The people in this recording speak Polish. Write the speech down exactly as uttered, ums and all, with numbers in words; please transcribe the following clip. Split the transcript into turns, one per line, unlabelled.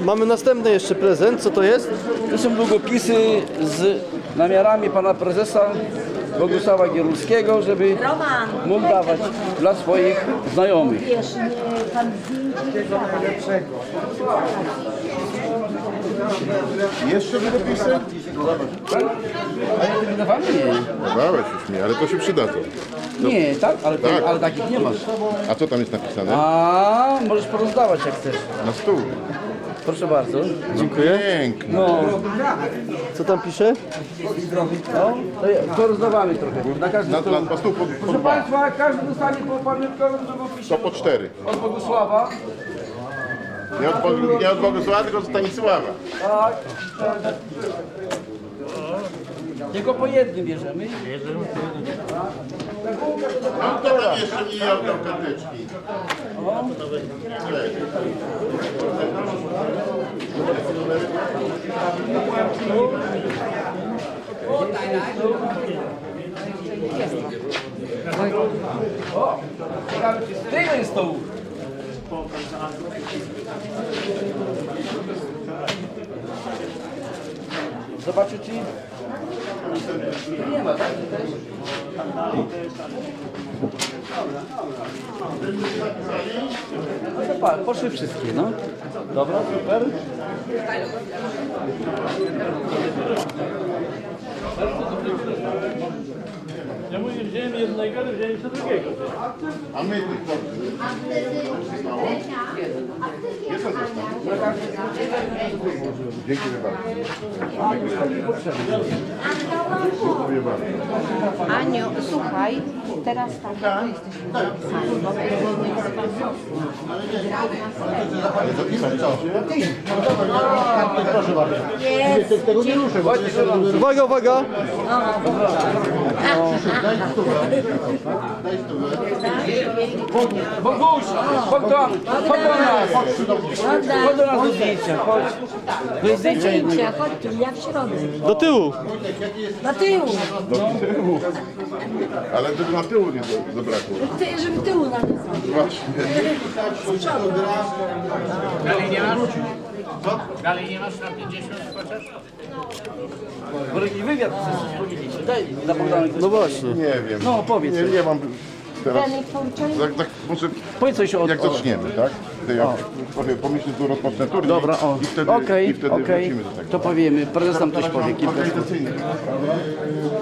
mamy następny jeszcze prezent. Co to jest?
To są długopisy z namiarami pana prezesa Bogusława Gierulskiego, żeby mógł dawać dla swoich znajomych.
Wiesz, nie, pan zdjęcie
Jeszcze długopisy?
A ja tym dawałem? Nie.
Dawałeś już mi, ale to się przyda to.
Nie, tak? Ale, to,
Tak.
ale takich nie masz.
A co tam jest napisane?
A możesz porozdawać jak chcesz.
Na stół.
Proszę bardzo.
Dziękuję.
Pięknie.
No,
Co tam pisze?
no to, ja- to rozdawamy trochę. Na każdy
Na,
stół.
na, na stół po, po
Proszę
dwa.
Państwa, każdy dostanie po pamiątkowym
To
długopisie
po cztery.
od Bogusława.
Nie od, Bogu- nie od Bogusława, tylko od Stanisława.
Tak. Tylko po jednym bierzemy.
No to tam jeszcze nie oddał karteczki.
O, ciekawe czy z tego jest stołów. Zobaczę czy... Tu nie ma, tak? Tu też? No to pa, poszły wszystkie, no. Dobra, super.
Ja mówię, wziąłem jednego, ale wziąłem jeszcze drugiego.
A my tych portów. Zostało? Jest on został. Dziękuję bardzo. Dziękuję bardzo.
Aniu, słuchaj, teraz tak, tu jesteśmy zapisani, bo
Ale zapisać co?
jest.
Uwaga, uwaga!
Boguś, chodź do, chodź do nas. Chodź do nas do zdjęcia, chodź. Do
Bez
zdjęcia jednego.
zdjęcia, chodź tu, ja w środek.
Do tyłu!
Na tył,
Do tyłu. Ale żeby na tyłu nie do- zabrakło.
ty, żeby tyłu na tył.
Właśnie.
Dalej nie masz? Dalej nie masz na pięćdziesiąt chociaż?
Bo jakiś wywiad chcesz powiedzieć. Daj na Bogdana.
No właśnie.
Nie wiem.
No, powiedz
Nie,
coś.
nie mam teraz.
Danej połączenie.
Tak, tak, może
Powiedz coś o...
jak zaczniemy, tak? To ja powiem, pomyślę, tu rozpocznę turniej.
Dobra, o.
I wtedy,
Okej,
i wtedy
okej.
wrócimy do tego.
To powiemy. Prezes nam coś powie. Kilka słów.
Organizacyjny.